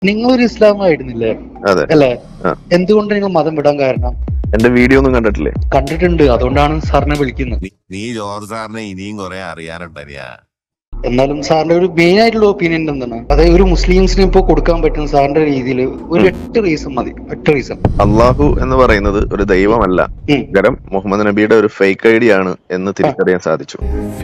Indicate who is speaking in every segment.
Speaker 1: നിങ്ങളൊരു ഇസ്ലാമായിരുന്നില്ലേ?
Speaker 2: അതെ.
Speaker 1: അല്ലേ? എന്തുകൊണ്ട് നിങ്ങൾ മതം വിടാൻ കാരണം?
Speaker 2: എന്റെ വീഡിയോ ഒന്നും കണ്ടിട്ടില്ലേ?
Speaker 1: കണ്ടിട്ടുണ്ട്, അതുകൊണ്ടാണ് സാറിനെ വിളിക്കുന്നത്.
Speaker 3: നീ ജോർജ് സാറിനെ ഇനിയും കുറെ അറിയാനുണ്ടരിയാ.
Speaker 1: എന്നാലും സാറിന്റെ ഒരു മെയിൻ ആയിട്ടുള്ള ഒപ്പീനിയൻ എന്താണ്? അതായത് ഒരു മുസ്ലിംസിന് ഇപ്പൊ കൊടുക്കാൻ പറ്റുന്ന സാറിന്റെ രീതിയിൽ ഒരു 8 റീസൺ മതി. 8 റീസൺ.
Speaker 2: അള്ളാഹു എന്ന് പറയുന്നത് ഒരു ദൈവമല്ല, പകരം മുഹമ്മദ് നബിയുടെ ഒരു ഫേക്ക് ഐഡി ആണ് എന്ന് തിരിച്ചറിയാൻ സാധിച്ചു.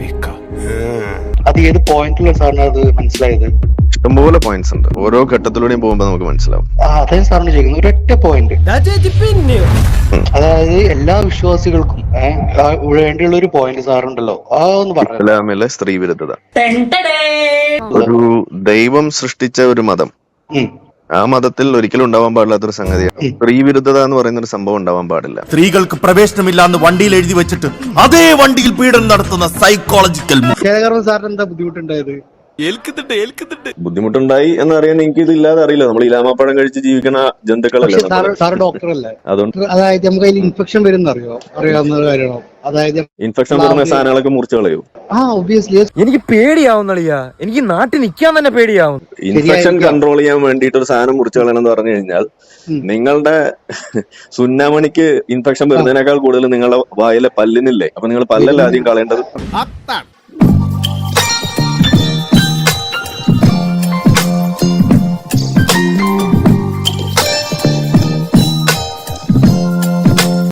Speaker 1: അത് ഏത് പോയിന്റിലുള്ള സാറിന് അത് മനസ്സിലായത്?
Speaker 2: ഇഷ്ടംപോലെ പോയിന്റ്സ് ഉണ്ട്, ഓരോ ഘട്ടത്തിലൂടെയും പോകുമ്പോ നമുക്ക് മനസ്സിലാവും.
Speaker 1: അതായത് സാറിന് ചെയ്യുന്നത് ഒരൊറ്റ പോയിന്റ്, അതായത് എല്ലാ വിശ്വാസികൾക്കും വേണ്ടിയുള്ള ഒരു പോയിന്റ് സാറുണ്ടല്ലോ, ഒന്ന് പറഞ്ഞു.
Speaker 2: ഇസ്ലാമിലെ സ്ത്രീ വിരുദ്ധത, ഒരു ദൈവം സൃഷ്ടിച്ച ഒരു മതം, ആ മതത്തിൽ ഒരിക്കലും ഉണ്ടാവാൻ പാടില്ലാത്തൊരു സംഗതിയാണ് സ്ത്രീ വിരുദ്ധത എന്ന് പറയുന്ന ഒരു സംഭവം ഉണ്ടാവാൻ പാടില്ല.
Speaker 4: സ്ത്രീകൾക്ക് പ്രവേശനമില്ലാന്ന് വണ്ടിയിൽ എഴുതി വെച്ചിട്ട് അതേ വണ്ടിയിൽ പീഡനം നടത്തുന്ന സൈക്കോളജിക്കൽ.
Speaker 1: സാറിന് എന്താ ബുദ്ധിമുട്ടുണ്ടായത്?
Speaker 2: ബുദ്ധിമുട്ടുണ്ടായി എന്നറിയാൻ എനിക്ക് ഇത് ഇല്ലാതെ അറിയില്ല. നമ്മൾ ഇലാമാപ്പഴം കഴിച്ച് ജീവിക്കുന്ന ജന്തുക്കളല്ലേ.
Speaker 1: സാറ് ഡോക്ടറല്ലേ?
Speaker 2: അതുകൊണ്ട്
Speaker 1: അതായത് നമുക്ക് അതിൽ ഇൻഫെക്ഷൻ വരുന്ന അറിയാവുന്ന കാര്യമാണോ? അതായത്
Speaker 2: ഇൻഫെക്ഷൻ വരുന്ന സാധനങ്ങളൊക്കെ മുറിച്ചു കളയൂ.
Speaker 1: ഒബ്വിയസ്ലി.
Speaker 5: എനിക്ക് പേടിയാവുന്നളിയാ, എനിക്ക് നാട്ടിൽ നിൽക്കാൻ തന്നെ പേടിയാവും.
Speaker 2: ഇൻഫെക്ഷൻ കൺട്രോൾ ചെയ്യാൻ വേണ്ടിയിട്ട് ഒരു സാധനം മുറിച്ചു കളയണം എന്ന് പറഞ്ഞു കഴിഞ്ഞാൽ നിങ്ങളുടെ സുന്നാമണിക്ക് ഇൻഫെക്ഷൻ വരുന്നതിനേക്കാൾ കൂടുതൽ നിങ്ങളുടെ വായിലെ പല്ലിനില്ലേ. അപ്പൊ നിങ്ങൾ പല്ലല്ല ആദ്യം കളയേണ്ടത്.